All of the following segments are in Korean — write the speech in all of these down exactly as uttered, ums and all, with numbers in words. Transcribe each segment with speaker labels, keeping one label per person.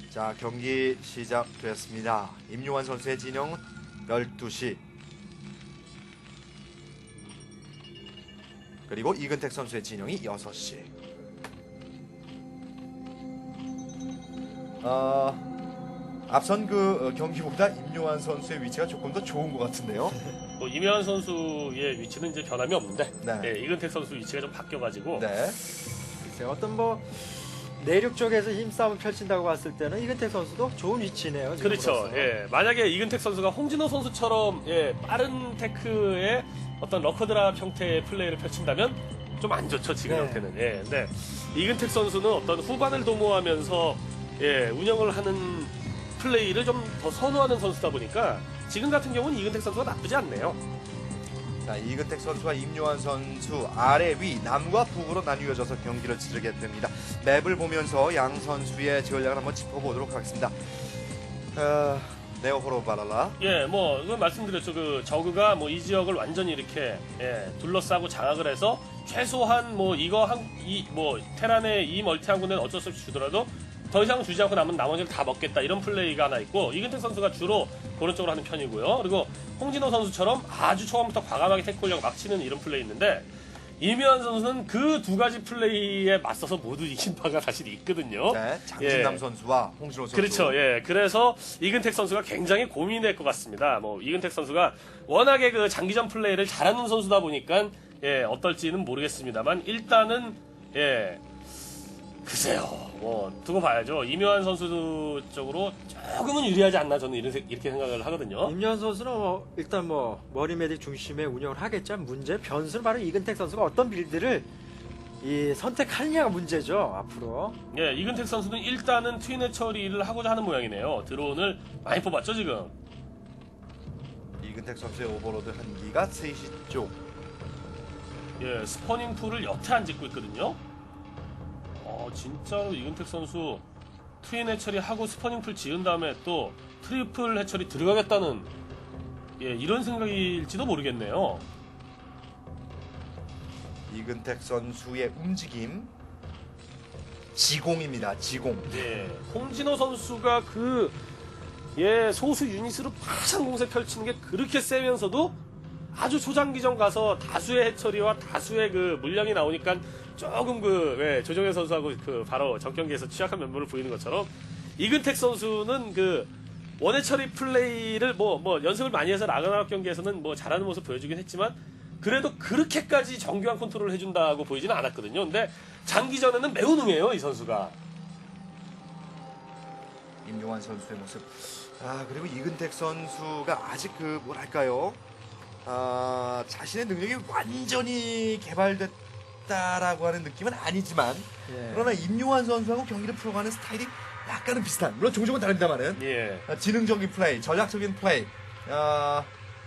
Speaker 1: 자, 경기 시작됐습니다. 임요환 선수의 진영 열두 시. 그리고 이근택 선수의 진영이 여섯 시. 어, 앞선 그 경기보다 임요환 선수의 위치가 조금 더 좋은 것 같은데요.
Speaker 2: 뭐 임요환 선수의 위치는 이제 변함이 없는데
Speaker 1: 네.
Speaker 2: 예, 이근택 선수 위치가 좀 바뀌어가지고
Speaker 1: 네.
Speaker 3: 글쎄요, 어떤 뭐 내륙 쪽에서 힘싸움을 펼친다고 봤을 때는 이근택 선수도 좋은 위치네요.
Speaker 2: 그렇죠.
Speaker 3: 지금으로서.
Speaker 2: 예, 만약에 이근택 선수가 홍진호 선수처럼 예, 빠른 테크의 어떤 러커드랍 형태의 플레이를 펼친다면 좀 안 좋죠 지금
Speaker 3: 네.
Speaker 2: 형태는. 예, 근데 이근택 선수는 어떤 후반을 도모하면서 예, 운영을 하는 플레이를 좀 더 선호하는 선수다 보니까 지금 같은 경우는 이근택 선수가 나쁘지 않네요.
Speaker 1: 자, 이근택 선수와 임요환 선수 아래 위 남과 북으로 나뉘어져서 경기를 치르게 됩니다. 맵을 보면서 양 선수의 전략을 한번 짚어보도록 하겠습니다. 어, 네오호로 바랄라.
Speaker 2: 예, 뭐 그건 말씀드렸죠. 그 저그가 뭐 이 지역을 완전히 이렇게 예, 둘러싸고 장악을 해서 최소한 뭐 이거 한 이 뭐 테란의 이 멀티 한 군데는 어쩔 수 없이 주더라도 더 이상 주지 않고 남은 나머지를 다 먹겠다 이런 플레이가 하나 있고 이근택 선수가 주로 그런 쪽으로 하는 편이고요. 그리고 홍진호 선수처럼 아주 초반부터 과감하게 태클력 막 치는 이런 플레이 있는데 이묘한 선수는 그 두 가지 플레이에 맞서서 모두 이긴 바가 사실 있거든요.
Speaker 1: 네, 장진남
Speaker 2: 예.
Speaker 1: 선수와 홍진호 선수.
Speaker 2: 그렇죠. 예. 그래서 이근택 선수가 굉장히 고민이 될 것 같습니다. 뭐 이근택 선수가 워낙에 그 장기전 플레이를 잘하는 선수다 보니까 예, 어떨지는 모르겠습니다만 일단은 예. 글쎄요. 뭐 두고 봐야죠. 이묘한 선수 쪽으로 조금은 유리하지 않나 저는 이런, 이렇게 생각을 하거든요.
Speaker 3: 임현 선수는 뭐 일단 뭐 머리 메딕 중심의 운영을 하겠지만 문제 변수는 바로 이근택 선수가 어떤 빌드를 이 선택하느냐가 문제죠 앞으로.
Speaker 2: 예, 이근택 선수는 일단은 트윈의 처리를 하고자 하는 모양이네요. 드론을 많이 뽑았죠 지금.
Speaker 1: 이근택 선수의 오버로드 한기가 세 시 쪽.
Speaker 2: 예, 스퍼닝 풀을 여태 안 짓고 있거든요. 어, 진짜로 이근택 선수 트윈 해처리하고 스퍼닝 풀 지은 다음에 또 트리플 해처리 들어가겠다는 예, 이런 생각일지도 모르겠네요.
Speaker 1: 이근택 선수의 움직임. 지공입니다. 지공.
Speaker 2: 예, 홍진호 선수가 그 예, 소수 유닛으로 파상 공세 펼치는 게 그렇게 세면서도 아주 초장기전 가서 다수의 해처리와 다수의 그 물량이 나오니까 조금 그 예, 조정현 선수하고 그 바로 적경기에서 취약한 면모를 보이는 것처럼 이근택 선수는 그 원해처리 플레이를 뭐 뭐 연습을 많이 해서 라그나락 경기에서는 뭐 잘하는 모습 보여주긴 했지만 그래도 그렇게까지 정교한 컨트롤을 해준다고 보이지는 않았거든요. 근데 장기전에는 매우 능해요 이 선수가.
Speaker 1: 임용환 선수의 모습. 아, 그리고 이근택 선수가 아직 그 뭐랄까요? 아, 자신의 능력이 완전히 개발됐다라고 하는 느낌은 아니지만
Speaker 3: 예.
Speaker 1: 그러나 임용환 선수하고 경기를 풀어가는 스타일이 약간은 비슷한. 물론 종종은 다릅니다만은
Speaker 2: 예.
Speaker 1: 아, 지능적인 플레이, 전략적인 플레이. 아,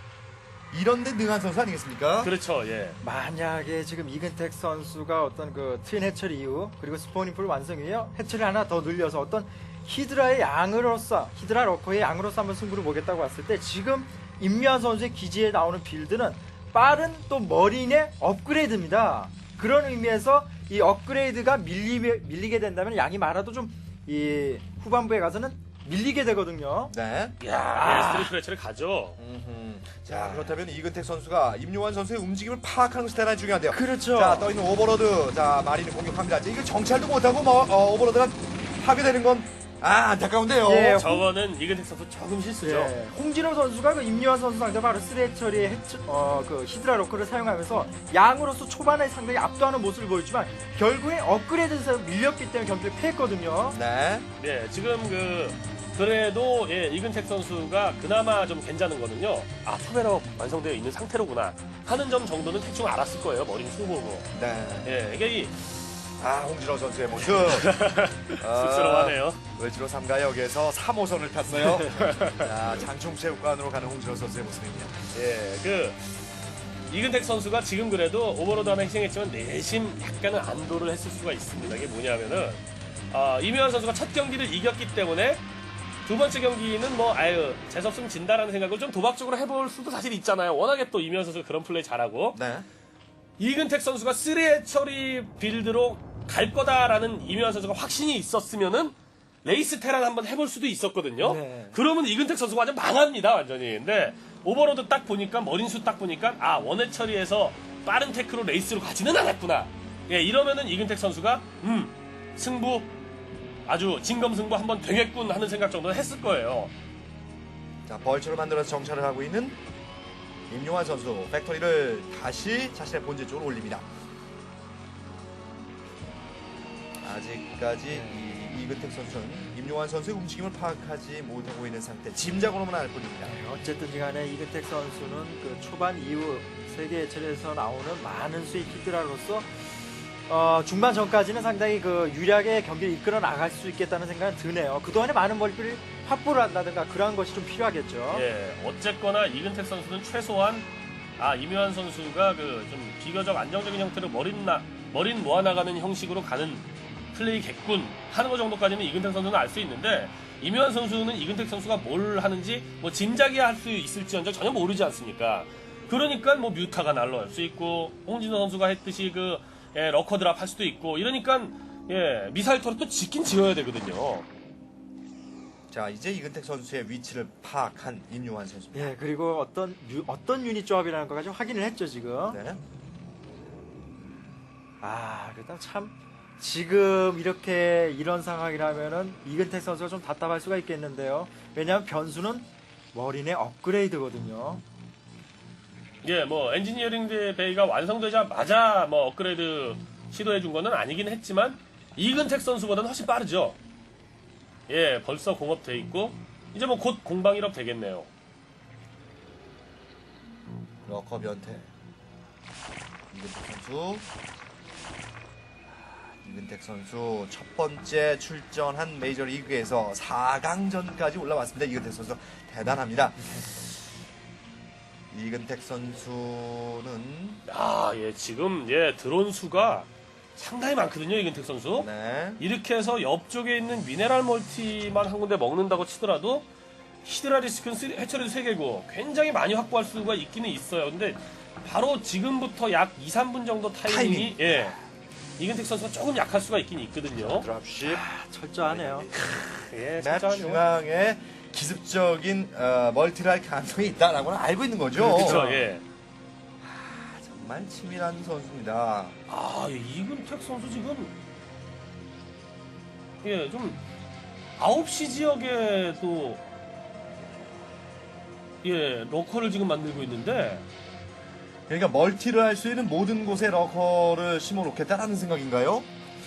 Speaker 1: 이런데 능한 선수 아니겠습니까?
Speaker 2: 그렇죠. 예.
Speaker 3: 만약에 지금 이근택 선수가 어떤 그 트윈 해처리 이후 그리고 스포닝풀 완성 이후에 해처리 하나 더 늘려서 어떤 히드라의 양으로서 히드라 러커의 양으로서 한번 승부를 보겠다고 봤을 때 지금 임미환 선수의 기지에 나오는 빌드는 빠른 또 머린의 업그레이드입니다. 그런 의미에서 이 업그레이드가 밀리, 밀리게 된다면 양이 많아도 좀 이 후반부에 가서는 밀리게 되거든요.
Speaker 1: 네.
Speaker 2: 야, 예, 스트리트 해처리 가죠.
Speaker 1: 음흠. 자, 그렇다면 이근택 선수가 임요환 선수의 움직임을 파악하는 것이 대단히 중요한데요.
Speaker 3: 그렇죠.
Speaker 1: 자, 떠있는 오버로드. 자, 마린을 공격합니다. 자, 이거 정찰도 못하고 뭐 어, 오버로드가 파괴되는 건 아, 안타까운데요.
Speaker 3: 예,
Speaker 2: 저거는 이근택 선수 조금 실수죠.
Speaker 3: 예. 홍진호 선수가 그 임요환 선수 상대 바로 쓰레처리의 해처, 어, 그 히드라 로커를 사용하면서 양으로서 초반에 상당히 압도하는 모습을 보였지만 결국에 업그레이드에서 밀렸기 때문에 경기를 패했거든요.
Speaker 1: 네.
Speaker 2: 네, 지금 그 그래도 예, 이근택 선수가 그나마 좀 괜찮은 거는요. 아, 투베럭 완성되어 있는 상태로구나 하는 점 정도는 대충 알았을 거예요. 머리는 숭보고.
Speaker 1: 네.
Speaker 2: 예, 이게 이
Speaker 1: 아, 홍진호 선수의 모습.
Speaker 2: 쑥스러워하네요.
Speaker 1: 외지로 삼가역에서 삼 호선을 탔어요. 자, 장충체육관으로 가는 홍진호 선수의 모습입니다.
Speaker 2: 예, 그 이근택 선수가 지금 그래도 오버로드 하나 희생했지만 내심 약간은 안도를 했을 수가 있습니다. 이게 뭐냐면은 아, 이묘한 선수가 첫 경기를 이겼기 때문에 두 번째 경기는 뭐 아유 재수없으면 진다라는 생각을 좀 도박적으로 해볼 수도 사실 있잖아요. 워낙에 또 이묘한 선수가 그런 플레이 잘하고
Speaker 1: 네.
Speaker 2: 이근택 선수가 쓰리의 처리 빌드로 갈 거다라는 이묘한 선수가 확신이 있었으면은 레이스 테란 한번 해볼 수도 있었거든요.
Speaker 3: 네.
Speaker 2: 그러면 이근택 선수가 완전 망합니다, 완전히. 근데 오버로드 딱 보니까 머린수 딱 보니까 아 원회 처리해서 빠른 테크로 레이스로 가지는 않았구나. 예, 이러면은 이근택 선수가 음 승부 아주 진검승부 한번 되겠군 하는 생각 정도는 했을 거예요.
Speaker 1: 자, 벌처를 만들어서 정찰을 하고 있는 임요환 선수. 팩토리를 다시 자신의 본질 쪽으로 올립니다. 아직까지 이 이근택 선수는 임요환 선수의 움직임을 파악하지 못하고 있는 상태. 짐작으로만 알 뿐입니다.
Speaker 3: 어쨌든 간에 이근택 선수는 그 초반 이후 세계 예체에서 나오는 많은 수의 히드라로서 어, 중반 전까지는 상당히 그 유리하게 경기를 이끌어 나갈 수 있겠다는 생각은 드네요. 그동안에 많은 멀티를 확보를 한다든가 그러한 것이 좀 필요하겠죠.
Speaker 2: 예, 어쨌거나 이근택 선수는 최소한 아 임요환 선수가 그 좀 비교적 안정적인 형태로 머린 나 머린 모아나가는 형식으로 가는 플레이겠군 하는 것 정도까지는 이근택 선수는 알 수 있는데 임요환 선수는 이근택 선수가 뭘 하는지 뭐 짐작이야 할 수 있을지언정 전혀 모르지 않습니까? 그러니까 뭐 뮤타가 날라올 수 있고 홍진호 선수가 했듯이 그 예, 러커 드랍 할 수도 있고 이러니까 예, 미사일 터렛 또 짓긴 지어야 되거든요.
Speaker 1: 자, 이제 이근택 선수의 위치를 파악한 임요환 선수입니다.
Speaker 3: 예, 그리고 어떤 유, 어떤 유닛 조합이라는 것까지 확인을 했죠 지금.
Speaker 1: 네.
Speaker 3: 아, 일단 참 지금 이렇게 이런 상황이라면은 이근택 선수가 좀 답답할 수가 있겠는데요. 왜냐하면 변수는 머린의 업그레이드거든요.
Speaker 2: 예, 뭐 엔지니어링 베이가 완성되자마자 뭐 업그레이드 시도해 준 거는 아니긴 했지만 이근택 선수보다는 훨씬 빠르죠. 예, 벌써 공업돼 있고 이제 뭐 곧 공방 일업 되겠네요.
Speaker 1: 러커 변태. 이근택 선수. 이근택 선수 첫 번째 출전한 메이저리그에서 사 강전까지 올라왔습니다. 이근택 선수 대단합니다. 이근택 선수는
Speaker 2: 아, 예, 지금 예 드론 수가 상당히 많거든요, 이근택 선수.
Speaker 1: 네.
Speaker 2: 이렇게 해서 옆쪽에 있는 미네랄 멀티만 한 군데 먹는다고 치더라도 히드라 리스크는 쓰- 해처리도 세 개고 굉장히 많이 확보할 수가 있기는 있어요. 근데 바로 지금부터 약 이, 삼 분 정도 타이밍이
Speaker 1: 타이밍.
Speaker 2: 예. 이근택 선수가 조금 약할 수가 있긴 있거든요.
Speaker 1: 드랍십.
Speaker 3: 아, 철저하네요.
Speaker 2: 예,
Speaker 1: 맵
Speaker 2: 진짜
Speaker 1: 중앙에 기습적인 어, 멀티를 할 가능성이 있다라고는 알고 있는 거죠.
Speaker 2: 그렇죠. 예.
Speaker 1: 정말 치밀한 선수입니다.
Speaker 2: 아, 예, 이근택 선수 지금 예, 좀 아홉 시 지역에 또 예, 러커를 지금 만들고 있는데
Speaker 1: 그러니까 멀티를 할 수 있는 모든 곳에 러커를 심어 놓겠다라는 생각인가요?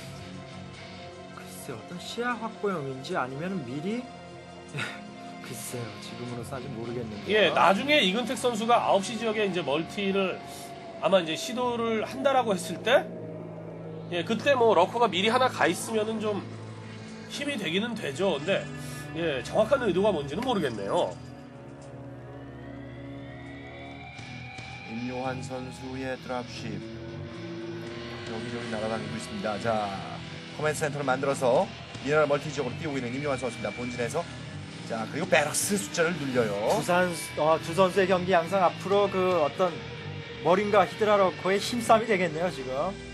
Speaker 3: 글쎄 어떤 시야 확보용인지 아니면 미리 글쎄요 지금으로서 아직 모르겠는데.
Speaker 2: 예, 나중에 이근택 선수가 아홉 시 지역에 이제 멀티를 아마 이제 시도를 한다라고 했을 때 예, 그때 뭐 러커가 미리 하나 가 있으면은 좀 힘이 되기는 되죠. 근데 예, 정확한 의도가 뭔지는 모르겠네요.
Speaker 1: 임요환 선수의 드랍십 여기저기 날아다니고 있습니다. 자, 커맨드 센터를 만들어서 미네랄 멀티 지역으로 뛰고 있는 임요환 선수입니다. 본진에서 자, 그리고 베럭스 숫자를 늘려요.
Speaker 3: 두산 어, 두 선수의 경기 양상 앞으로 그 어떤 머린과 히드라 러커의 힘싸움이 되겠네요 지금.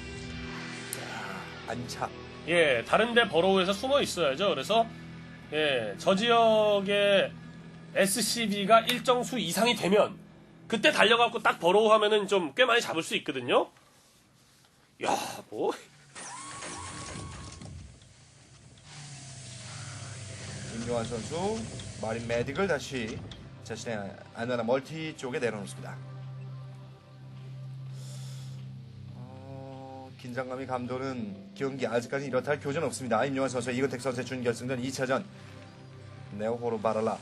Speaker 1: 안차.
Speaker 2: 예, 다른데 버로우에서 숨어 있어야죠. 그래서 예, 저 지역의 에스씨비가 일정 수 이상이 되면 그때 달려갖고 딱 버로우 하면은 좀 꽤 많이 잡을 수 있거든요. 야, 뭐
Speaker 1: 임요환 선수 마린 메딕을 다시 자신의 안전한 멀티 쪽에 내려놓습니다. 어, 긴장감이 감도는 경기 아직까지 이렇다 할 교전 없습니다. 임요환 선수 이근택 선수의 준결승전 이 차전 네오호로 바랄라.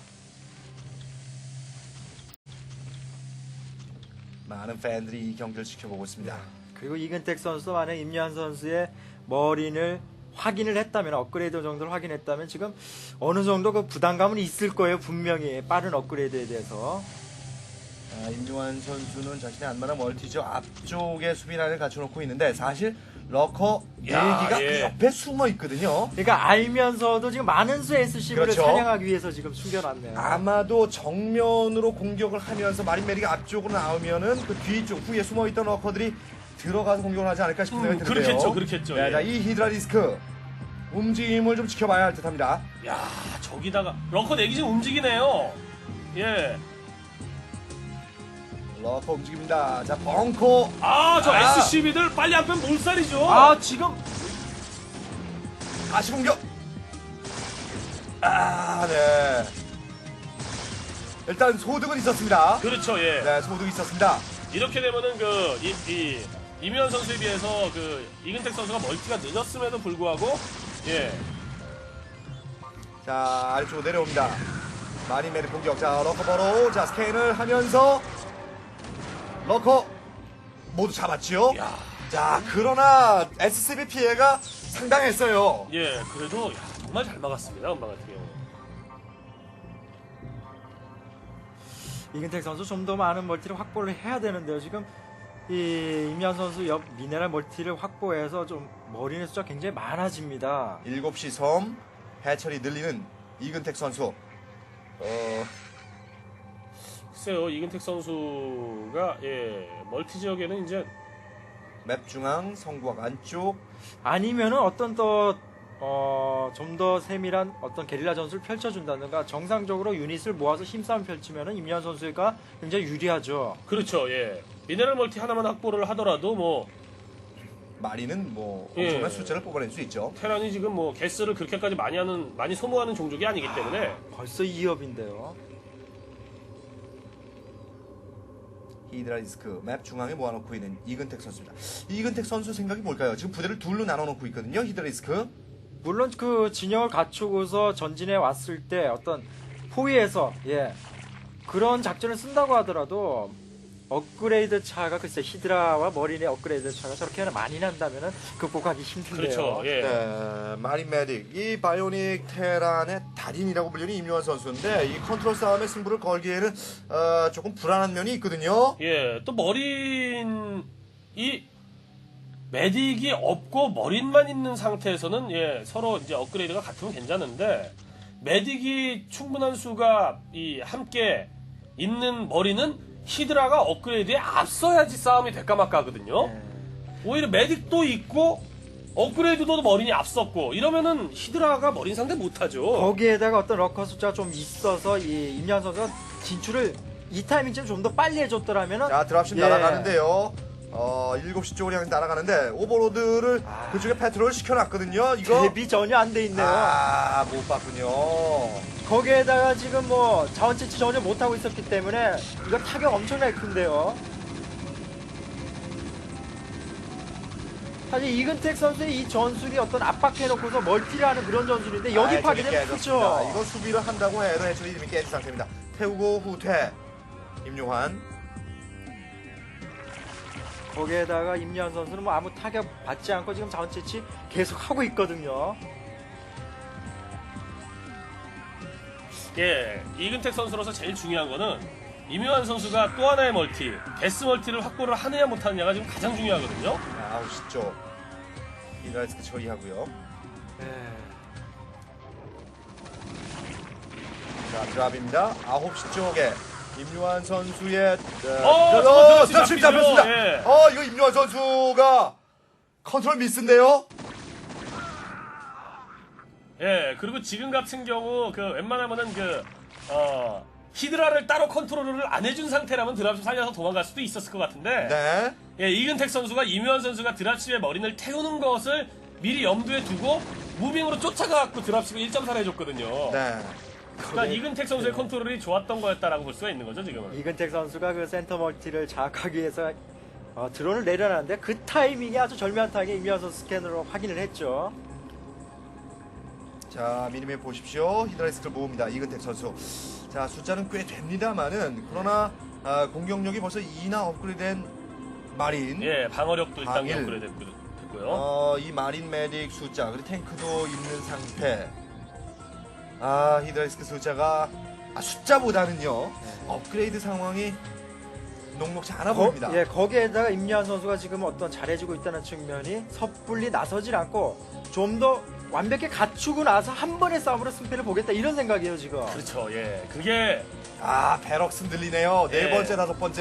Speaker 1: 많은 팬들이 이 경기를 지켜보고 있습니다.
Speaker 3: 그리고 이근택 선수 만약 임요한 선수의 머린을 확인을 했다면 업그레이드 정도를 확인했다면 지금 어느 정도 그 부담감은 있을 거예요 분명히 빠른 업그레이드에 대해서.
Speaker 1: 아, 임요환 선수는 자신의 안마나 멀티죠 앞쪽에 수비라인을 갖춰놓고 있는데 사실 러커
Speaker 2: 야,
Speaker 1: 일기가
Speaker 2: 예.
Speaker 1: 그 옆에 숨어 있거든요.
Speaker 3: 그러니까 알면서도 지금 많은 수의 에스씨비를
Speaker 1: 그렇죠.
Speaker 3: 사냥하기 위해서 지금 숨겨놨네요.
Speaker 1: 아마도 정면으로 공격을 하면서 마린 메리가 앞쪽으로 나오면은 그 뒤쪽 후에 숨어있던 러커들이 들어가서 공격을 하지 않을까 싶은
Speaker 2: 음,
Speaker 1: 생각이 드는데요.
Speaker 2: 그렇겠죠, 그렇겠죠,
Speaker 1: 네,
Speaker 2: 예.
Speaker 1: 자, 이 히드라 리스크 움직임을 좀 지켜봐야 할 듯합니다.
Speaker 2: 야, 저기다가 러커 내기 좀 움직이네요. 예.
Speaker 1: 러커 움직입니다. 자, 벙커.
Speaker 2: 아, 저
Speaker 1: 아.
Speaker 2: 에스씨비들 빨리 안 빼면 몰살이죠.
Speaker 3: 아 지금
Speaker 1: 다시 공격. 아, 네. 일단 소득은 있었습니다.
Speaker 2: 그렇죠, 예.
Speaker 1: 네, 소득이 있었습니다.
Speaker 2: 이렇게 되면은 그, 이, 이, 이면 선수에 비해서 그, 이근택 선수가 멀티가 늦었음에도 불구하고, 예.
Speaker 1: 자, 아래쪽으로 내려옵니다. 마린 메리 공격. 자, 러커 버로. 자, 스캔을 하면서 러커 모두 잡았지요.
Speaker 2: 야.
Speaker 1: 자, 그러나 에스씨비 피해가 상당했어요.
Speaker 2: 예, 그래도, 야, 정말 잘 막았습니다, 음방 같은 경우.
Speaker 3: 이근택 선수 좀 더 많은 멀티를 확보를 해야 되는데요. 지금 이 임현 선수 옆 미네랄 멀티를 확보해서 좀 머리의 숫자 굉장히 많아집니다.
Speaker 1: 일곱 시 섬 해철이 늘리는 이근택 선수. 어,
Speaker 2: 글쎄요, 이근택 선수가, 예, 멀티 지역에는 이제,
Speaker 1: 맵 중앙 성곽 안쪽.
Speaker 3: 아니면은 어떤 더 어, 좀 더 세밀한 어떤 게릴라 전술을 펼쳐준다든가 정상적으로 유닛을 모아서 힘싸움 펼치면은 임현 선수가 굉장히 유리하죠.
Speaker 2: 그렇죠, 예. 미네랄 멀티 하나만 확보를 하더라도 뭐,
Speaker 1: 마리는 뭐
Speaker 2: 예.
Speaker 1: 엄청난 숫자를 뽑아낼 수 있죠.
Speaker 2: 테란이 지금 뭐, 개스를 그렇게까지 많이 하는, 많이 소모하는 종족이 아니기 때문에,
Speaker 3: 벌써 이 업인데요.
Speaker 1: 히드라리스크 맵 중앙에 모아놓고 있는 이근택 선수입니다. 이근택 선수 생각이 뭘까요? 지금 부대를 둘로 나눠놓고 있거든요. 히드라리스크.
Speaker 3: 물론 그 진영을 갖추고서 전진해 왔을 때 어떤 포위에서 예 그런 작전을 쓴다고 하더라도 업그레이드 차가 글쎄 히드라와 머린의 업그레이드 차가 저렇게 많이 난다면은 극복하기 힘든데요.
Speaker 2: 그렇죠, 예.
Speaker 1: 네, 마린 메딕 이 바이오닉 테란의 달인이라고 불리는 임요환 선수인데 이 컨트롤 싸움에 승부를 걸기에는 어, 조금 불안한 면이 있거든요.
Speaker 2: 예, 또 머린, 이, 메딕이 없고 머린만 있는 상태에서는, 예, 서로 이제 업그레이드가 같으면 괜찮은데, 메딕이 충분한 수가, 이, 함께 있는 머리는 히드라가 업그레이드에 앞서야지 싸움이 될까 말까 하거든요.
Speaker 3: 네.
Speaker 2: 오히려 메딕도 있고, 업그레이드도 머린이 앞섰고, 이러면은 히드라가 머린 상대 못하죠.
Speaker 3: 거기에다가 어떤 러커 숫자가 좀 있어서 이 임현 선수가 진출을 이 타이밍쯤 좀 더 빨리 해줬더라면은
Speaker 1: 자, 드랍십
Speaker 3: 예.
Speaker 1: 날아가는데요. 어, 일곱 시 쪽으로 향해 날아가는데 오버로드를
Speaker 3: 아.
Speaker 1: 그쪽에 패트롤 시켜놨거든요. 이거
Speaker 3: 대비 전혀 안 돼 있네요.
Speaker 1: 아, 못 봤군요.
Speaker 3: 거기에다가 지금 뭐 자원 채취 전혀 못 하고 있었기 때문에 이거 타격 엄청나게 큰데요. 사실 이근택 선수의 이 전술이 어떤 압박해놓고서 멀티를 하는 그런 전술인데 여기
Speaker 1: 아,
Speaker 3: 파괴되면
Speaker 1: 저기
Speaker 3: 크죠.
Speaker 1: 깨졌습니다. 이거 수비를 한다고 해도 해철이 이름이 깨진 상태입니다. 태우고 후퇴. 임요환.
Speaker 3: 거기에다가 임현 선수는 뭐 아무 타격 받지 않고 지금 자원 채취 계속 하고 있거든요.
Speaker 2: 예, 이근택 선수로서 제일 중요한 거는 이묘한 선수가 또 하나의 멀티, 데스 멀티를 확보를 하느냐 못하느냐가 지금 가장 중요하거든요.
Speaker 1: 자, 아홉 시 쪽. 히드라리스크 처리하고요.
Speaker 3: 네.
Speaker 1: 자, 드랍입니다. 아홉 시 쪽에 임요환 선수의
Speaker 2: 어, 저거
Speaker 1: 어,
Speaker 2: 드랍십
Speaker 1: 드랍십
Speaker 2: 잡히죠.
Speaker 1: 잡혔습니다.
Speaker 2: 예.
Speaker 1: 어, 이거 임요환 선수가 컨트롤 미스인데요.
Speaker 2: 예, 그리고 지금 같은 경우 그 웬만하면은 그 어, 히드라를 따로 컨트롤을 안 해준 상태라면 드랍십 살려서 도망갈 수도 있었을 것 같은데,
Speaker 1: 네.
Speaker 2: 예, 이근택 선수가 이묘한 선수가 드랍십의 머리를 태우는 것을 미리 염두에 두고 무빙으로 쫓아가갖고 드랍십을 일 점 사를 해줬거든요.
Speaker 1: 네.
Speaker 2: 그러니까 이근택 선수의 컨트롤이 좋았던 거였다라고 볼 수가 있는 거죠, 지금은.
Speaker 3: 이근택 선수가 그 센터 멀티를 장악하기 위해서 어, 드론을 내려놨는데 그 타이밍이 아주 절묘하게 임현 선수 스캔으로 확인을 했죠.
Speaker 1: 자, 미니맵 보십시오. 히드라리스크를 모읍니다. 이근택 선수. 자, 숫자는 꽤 됩니다만은 그러나 아, 공격력이 벌써 이나 업그레이드된 마린.
Speaker 2: 예, 방어력도 일단
Speaker 1: 방일.
Speaker 2: 업그레이드 됐고요.
Speaker 1: 어, 이 마린 메딕 숫자 그리고 탱크도 있는 상태. 아, 히드라리스크 숫자가 아, 숫자보다는요 업그레이드 상황이 녹록지 않아
Speaker 3: 거,
Speaker 1: 보입니다.
Speaker 3: 예, 거기에다가 임현 선수가 지금 어떤 잘해주고 있다는 측면이 섣불리 나서질 않고 좀 더 완벽히 갖추고 나서 한 번의 싸움으로 승패를 보겠다 이런 생각이에요 지금.
Speaker 2: 그렇죠, 예. 그게
Speaker 1: 아, 베럭스 들리네요. 네
Speaker 2: 예.
Speaker 1: 번째, 다섯 번째.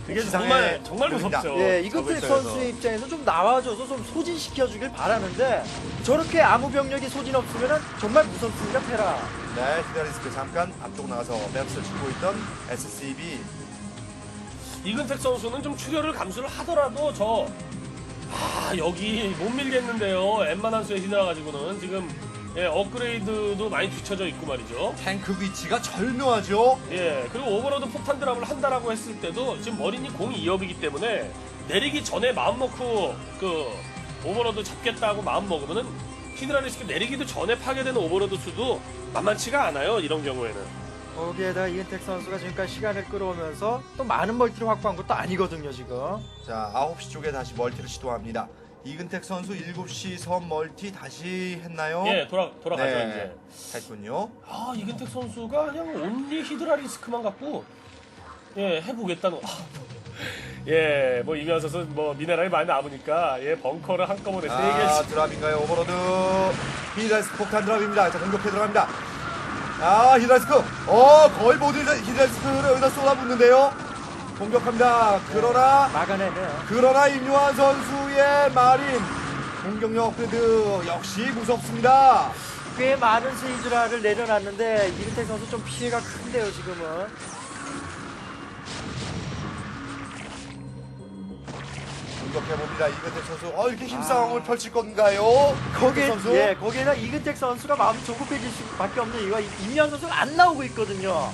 Speaker 2: 그게
Speaker 1: 지상에
Speaker 2: 정말 정말
Speaker 1: 보입니다.
Speaker 2: 무섭죠.
Speaker 3: 예, 이근택
Speaker 2: 저글링에서.
Speaker 3: 선수의 입장에서 좀 나와줘서 좀 소진시켜주길 바라는데 저렇게 아무 병력이 소진 없으면 정말 무섭습니다, 테라.
Speaker 1: 네, 히드라리스크 잠깐 앞쪽 나가서 맵스를 주고 있던 에스씨비.
Speaker 2: 이근택 선수는 좀 출혈을 감수를 하더라도 저 아, 여기 못 밀겠는데요. 웬만한 수에 히드라 가지고는 지금 예, 업그레이드도 많이 뒤쳐져 있고 말이죠.
Speaker 1: 탱크 위치가 절묘하죠.
Speaker 2: 예, 그리고 오버로드 폭탄 드랍을 한다라고 했을 때도 지금 머린이 공이 이 업이기 때문에 내리기 전에 마음 먹고 그 오버로드 잡겠다고 마음 먹으면은 히드라리스크 내리기도 전에 파괴되는 오버로드 수도 만만치가 않아요. 이런 경우에는.
Speaker 3: 거기에다가 이근택 선수가 지금까지 시간을 끌어오면서 또 많은 멀티를 확보한 것도 아니거든요, 지금.
Speaker 1: 자, 아홉 시 쪽에 다시 멀티를 시도합니다. 이근택 선수 일곱 시 섬 멀티 다시 했나요?
Speaker 2: 예, 돌아 돌아가죠
Speaker 1: 네,
Speaker 2: 이제.
Speaker 1: 했군요.
Speaker 2: 아, 이근택 선수가 그냥 온리 히드라리스크만 갖고 예, 해보겠다는. 아, 예, 뭐 이면 선수 뭐 미네랄이 많이 남으니까 예, 벙커를 한꺼번에 세
Speaker 1: 아,
Speaker 2: 개씩.
Speaker 1: 드랍인가요? 오버로드. 히드라리스크 폭탄 드랍입니다. 자, 공격해 들어갑니다. 아, 히드라리스크. 어, 거의 모든 히드라리스크를 여기다 쏟아붓는데요. 공격합니다. 그러나
Speaker 3: 막아내네요.
Speaker 1: 그러나 임요한 선수의 마린 공격력 업그레이드 역시 무섭습니다.
Speaker 3: 꽤 많은 스이즈라를 내려놨는데 이근택 선수 좀 피해가 큰데요, 지금은.
Speaker 1: 공격해봅니다. 이근택 선수. 어, 이렇게 힘싸움을 아... 펼칠 건가요?
Speaker 3: 거기에,
Speaker 1: 선수?
Speaker 3: 예, 거기에다 이근택 선수가 마음이 조급해질 수밖에 없는 이유가 임현 선수가 안 나오고 있거든요.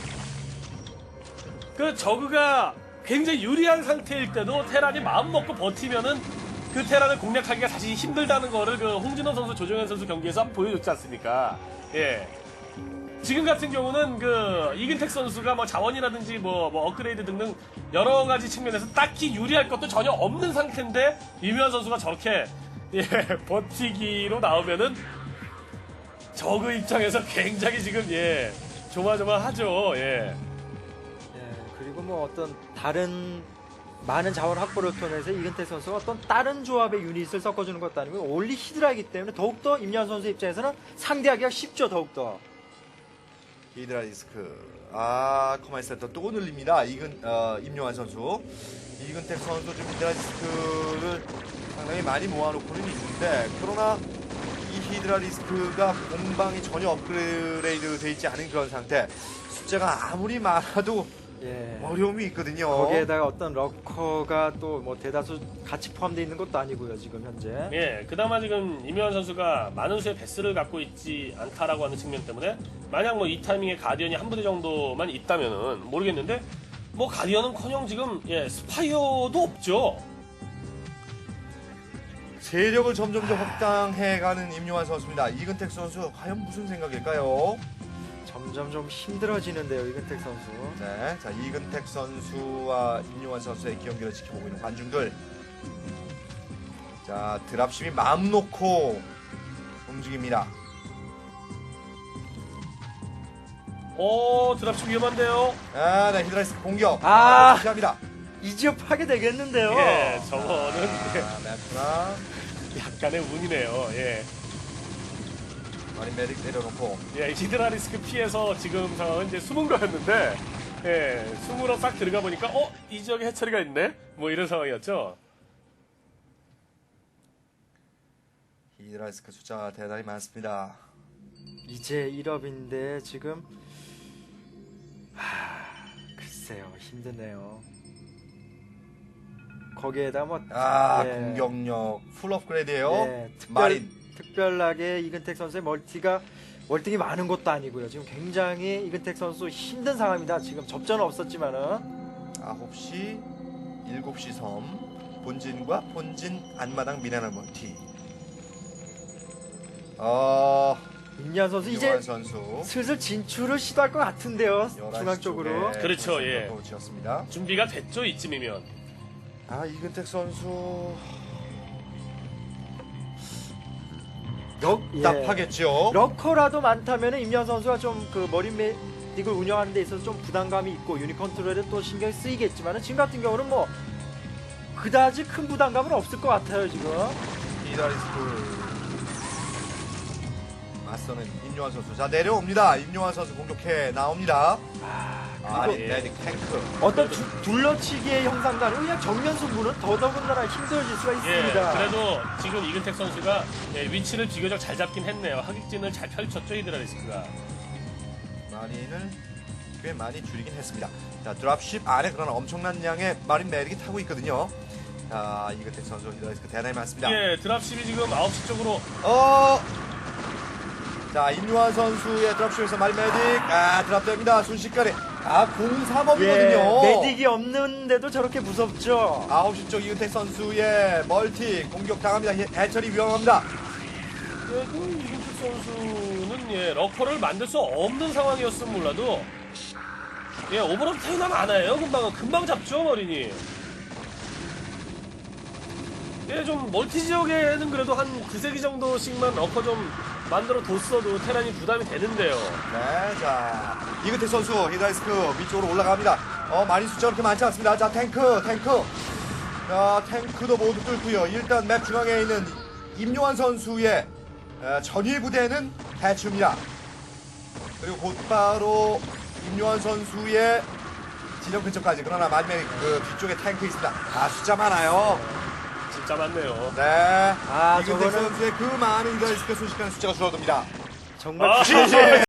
Speaker 2: 그 저그가 굉장히 유리한 상태일 때도 테란이 마음 먹고 버티면은 그 테란을 공략하기가 사실 힘들다는 거를 그 홍진호 선수, 조정현 선수 경기에서 한번 보여줬지 않습니까? 예. 지금 같은 경우는 그 이근택 선수가 뭐 자원이라든지 뭐, 뭐 업그레이드 등등 여러 가지 측면에서 딱히 유리할 것도 전혀 없는 상태인데 이묘한 선수가 저렇게 예, 버티기로 나오면은 저그 입장에서 굉장히 지금 예, 조마조마하죠. 예.
Speaker 3: 그리고 뭐 어떤 다른 많은 자원 확보를 통해서 이근택 선수가 어떤 다른 조합의 유닛을 섞어주는 것도 아니고 올리 히드라이기 때문에 더욱더 임현 선수 입장에서는 상대하기가 쉽죠, 더욱더.
Speaker 1: 히드라리스크. 아, 커마이 센터 또 늘립니다. 이근, 어, 임요한 선수. 이근택 선수 좀 히드라리스크를 상당히 많이 모아놓고는 있는데, 그러나 이 히드라리스크가 공방이 전혀 업그레이드 되어 있지 않은 그런 상태. 숫자가 아무리 많아도
Speaker 3: 예.
Speaker 1: 어려움이 있거든요.
Speaker 3: 거기에다가 어떤 러커가 또 뭐 대다수 같이 포함되어 있는 것도 아니고요, 지금 현재.
Speaker 2: 예, 그나마 지금 이묘한 선수가 많은 수의 베스를 갖고 있지 않다라고 하는 측면 때문에 만약 뭐 이 타이밍에 가디언이 한 부대 정도만 있다면은 모르겠는데 뭐 가디언은커녕 지금 예 스파이어도 없죠.
Speaker 1: 세력을 점점 더 확장해가는 임요한 선수입니다. 이근택 선수 과연 무슨 생각일까요?
Speaker 3: 점점 좀 힘들어지는데요, 이근택 선수.
Speaker 1: 네, 자 이근택 선수와 임요한 선수의 경기를 지켜보고 있는 관중들. 자 드랍심이 마음 놓고 움직입니다.
Speaker 2: 오, 드랍십 위험한데요.
Speaker 1: 아, 네 히드라리스크 공격.
Speaker 3: 아,
Speaker 1: 시작합니다.
Speaker 3: 이 지역 파괴 되겠는데요.
Speaker 2: 예, 저거는
Speaker 1: 아, 맵구나.
Speaker 2: 약간의 운이네요. 예.
Speaker 1: 마린 메딕 내려놓고.
Speaker 2: 예, 히드라리스크 피해서 지금 상황은 이제 숨은 거였는데, 예, 숨으로 싹 들어가 보니까, 어? 이 지역에 해처리가 있네? 뭐 이런 상황이었죠.
Speaker 1: 히드라리스크 숫자가 대단히 많습니다.
Speaker 3: 이제 일 업인데 지금 하... 글쎄요, 힘드네요. 거기에다 뭐
Speaker 1: 아,
Speaker 3: 예.
Speaker 1: 공격력 풀 업그레이드예요.
Speaker 3: 예, 특별,
Speaker 1: 마린.
Speaker 3: 특별하게 이근택 선수의 멀티가 월등히 많은 것도 아니고요. 지금 굉장히 이근택 선수 힘든 상황입니다. 지금 접전은 없었지만은
Speaker 1: 아홉 시, 일곱 시 섬, 본진과 본진 안마당 미네랄 멀티. 어,
Speaker 3: 임현 선수 이제
Speaker 1: 임요한 선수
Speaker 3: 슬슬 진출을 시도할 것 같은데요. 중앙 쪽으로.
Speaker 2: 그렇죠, 예.
Speaker 1: 지었습니다.
Speaker 2: 준비가 됐죠, 이쯤이면.
Speaker 1: 아, 이근택 선수
Speaker 3: 역,
Speaker 1: 답하겠죠.
Speaker 3: 예. 러커라도 많다면 임현 선수가 좀 그 머리 메딕을 운영하는 데 있어서 좀 부담감이 있고 유닛 컨트롤에 또 신경이 쓰이겠지만 지금 같은 경우는 뭐 그다지 큰 부담감은 없을 것 같아요, 지금.
Speaker 1: 히드라리스크 맞서는 임요환 선수. 자, 내려옵니다. 임요환 선수 공격해 나옵니다. 아,
Speaker 3: 그리고
Speaker 1: 메딕 탱크.
Speaker 3: 어떤 두, 둘러치기의 형상과는 그냥 정면 승부는 더더군다나 힘들어질 수가
Speaker 2: 예,
Speaker 3: 있습니다.
Speaker 2: 그래도 지금 이근택 선수가 예, 위치를 비교적 잘 잡긴 했네요. 하객진을 잘 펼쳤죠, 히드라리스크가.
Speaker 1: 마린을 꽤 많이 줄이긴 했습니다. 자, 드랍십 안에 그러나 엄청난 양의 마린 메딕이 타고 있거든요. 자, 이근택 선수 히드라리스크 대단히 많습니다.
Speaker 2: 예, 드랍십이 지금 아홉 시 쪽으로
Speaker 1: 어! 자, 임요환 선수의 드랍쇼에서 마린 메딕. 아, 드랍됩니다. 순식간에. 아, 공삼업이거든요.
Speaker 3: 예, 메딕이 없는데도 저렇게 무섭죠.
Speaker 1: 아홉 시 쪽 이은택 선수의 멀티 공격 당합니다. 해- 해철이 위험합니다.
Speaker 2: 그래도 이근택 선수는 예, 러커를 만들 수 없는 상황이었으면 몰라도 예, 오버로드 타이나 많아요. 금방 금방 잡죠, 머리니. 예, 좀 멀티 지역에는 그래도 한 두세 기 정도씩만 러커 좀 만들어 뒀어도 테란이 부담이 되는데요.
Speaker 1: 네, 자, 이근택 선수 히드라이스크 위쪽으로 올라갑니다. 어, 마린 숫자가 그렇게 많지 않습니다. 자, 탱크, 탱크. 자, 탱크도 모두 뚫고요. 일단 맵 중앙에 있는 임요환 선수의 어, 전일 부대는 대충입니다. 그리고 곧바로 임요환 선수의 지점 근처까지. 그러나 마지막에 그 뒤쪽에 탱크 있습니다. 아, 숫자 많아요.
Speaker 2: 진짜 많네요.
Speaker 1: 네.
Speaker 3: 아,
Speaker 1: 이근택
Speaker 3: 저거는-
Speaker 1: 선수의 그 많은 히드라이스크 순식간에 숫자가 줄어듭니다.
Speaker 3: 정말
Speaker 2: 아,
Speaker 1: 지지!